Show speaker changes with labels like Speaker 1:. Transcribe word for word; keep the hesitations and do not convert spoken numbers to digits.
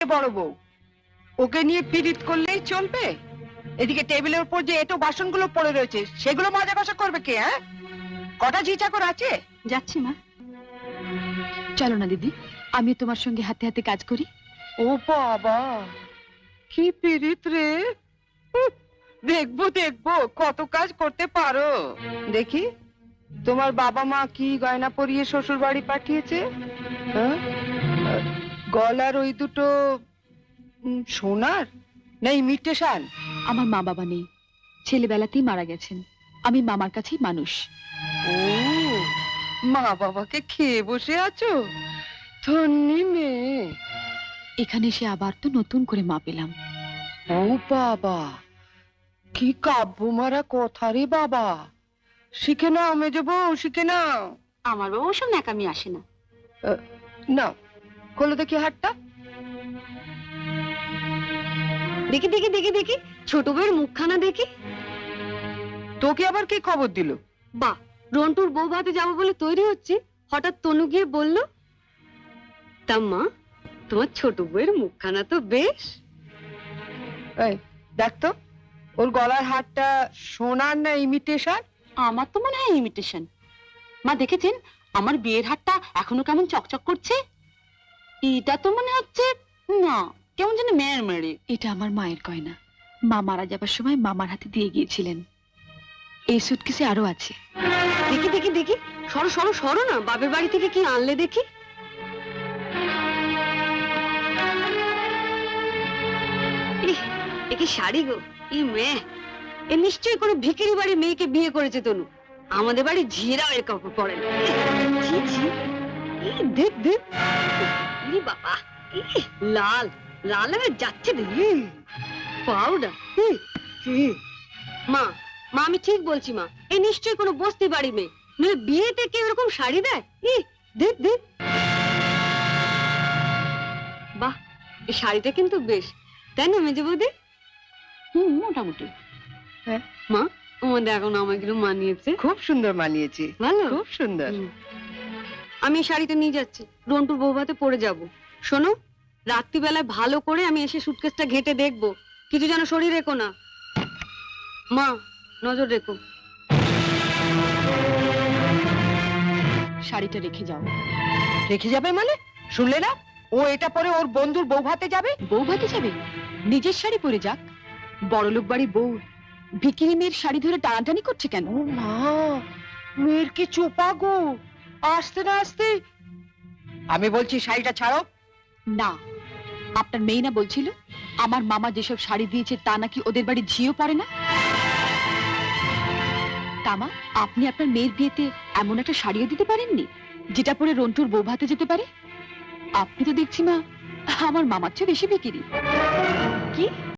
Speaker 1: বড় বউ, ওকে নিয়ে পীড়িত করলেই চলবে? এদিকে টেবিলের উপর যে এটো বাসনগুলো পড়ে রয়েছে সেগুলো মাজা কষা করবে কে? হ্যাঁ, কটা ঝি চাকর আছে?
Speaker 2: যাচ্ছি মা। চলো না দিদি, আমি তোমার সঙ্গে হাতে হাতে কাজ করি।
Speaker 1: ও বাবা, কি পীড়িত রে! উহ, দেখবো দেখবো কত কাজ করতে পারো। দেখি তোমার বাবা মা কি গয়না পরিয়ে শ্বশুর বাড়ি পাঠিয়েছে। হ্যাঁ, গলার ওই দুটো উম, সোনার না ইমিটেশন?
Speaker 2: আমার মা বাবা নেই, ছেলেবেলাতেই মারা গেছেন। আমি মামার কাছেই মানুষ।
Speaker 1: ও, মা বাবাকে খেয়ে বসে আছো? ধন্যি মেয়ে।
Speaker 2: এখানে এসে আবার তো নতুন করে মা পেলাম।
Speaker 1: ও বাবা, কি কাব্য মারা কথা রে বাবা! শিখে নাও মেজো বউ, শিখে নাও।
Speaker 2: আমার বাবা ওসব ন্যাকামি আসে না।
Speaker 1: নাও, খোলো দেখি হাতটা।
Speaker 2: দেখি দেখি দেখি দেখি ছোট বউয়ের মুখখানা দেখি।
Speaker 1: তোকে আবার কে খবর দিল?
Speaker 2: বাহ, রন্টুর বউ ভাতে যাবো বলে তৈরি হচ্ছে, হঠাৎ তনু গিয়ে বলল, তা মা তোমার ছোট বউয়ের মুখখানা তো বেশ।
Speaker 1: এই দেখ তো, ওর গলার হারটা সোনার না ইমিটেশন?
Speaker 2: আমার তো মনে হয় ইমিটেশন। মা দেখেছেন আমার বিয়ের হারটা এখনো কেমন চকচক করছে? এটা তো মনে হচ্ছে না, কেমন যেন মেয়ের মেরে। এটা আমার মায়ের গয়না, মা মারা যাবার সময় মামার হাতে দিয়ে গিয়েছিলেন। এই সুটকেসে আরো আছে। দেখি দেখি দেখি, সরো সরো সরো না, বাপের বাড়ি থেকে কি আনলে দেখি। ইহ, এ কি শাড়ি গো! ই মেয়ে, এ নিশ্চয়ই কোনো ভিখিরি বাড়ির মেয়েকে বিয়ে করেছে তনু। আমাদের বাড়ি ঝিরাও এর কাপড় পরে না। ছি ছি, ই দেখ দেখ, ই বাবা, ই লাল লাল হয়ে যাচ্ছে দেখি। পাউডার। মা মা আমি ঠিক বলছি মা, এ নিশ্চয়ই কোনো বস্তি বাড়ি মেয়ে, নইলে বিয়েতে কেউ এরকম শাড়ি দেয়? ই দেখ দেখ, বাহ, এই শাড়িটা কিন্তু বেশ, তাই না মেজে বৌদি? হুম, মোটামুটি।
Speaker 1: হ্যাঁ
Speaker 2: মা, তোমার দেখো না আমাকে একটু মানিয়েছে।
Speaker 1: খুব সুন্দর মানিয়েছে,
Speaker 2: ভালো,
Speaker 1: খুব সুন্দর।
Speaker 2: হুম। আমি এই শাড়িটা নিয়ে যাচ্ছি, রন্টুর বৌভাতে পরে যাব। শোনো, রাত্রিবেলায় ভালো করে আমি এসে সুটকেসটা ঘেটে দেখবো, কিছু যেন শরীর রেখো না। মা নজর রেখো। শাড়িটা রেখে যাও।
Speaker 1: রেখে যাবে মানে? শুনলে না, ও এটা পরে ওর বন্ধুর বউ ভাতে যাবে।
Speaker 2: বউ ভাতে যাবে? নিজের শাড়ি পরে যাক। বড়লোক বাড়ি বউ ভিকিরি মেয়ের শাড়ি ধরে টানাটানি করছে কেন?
Speaker 1: ও মা, মেয়ের কি চোপা গো! আসতে না আসতে। আমি বলছি শাড়িটা ছাড়ো।
Speaker 2: না, আপনার মেয়ে না বলছিল আমার মামা যেসব শাড়ি দিয়েছে তা নাকি ওদের বাড়ি ঝিও পড়ে না? তামা, আপনি আপনার মেয়ের বিয়েতে এমন একটা শাড়িও দিতে পারেননি যেটা পরে রন্টুর বউ ভাতে যেতে পারে? আপনি তো দেখছি মা আমার মামার চেয়ে বেশি বিকিরি। কি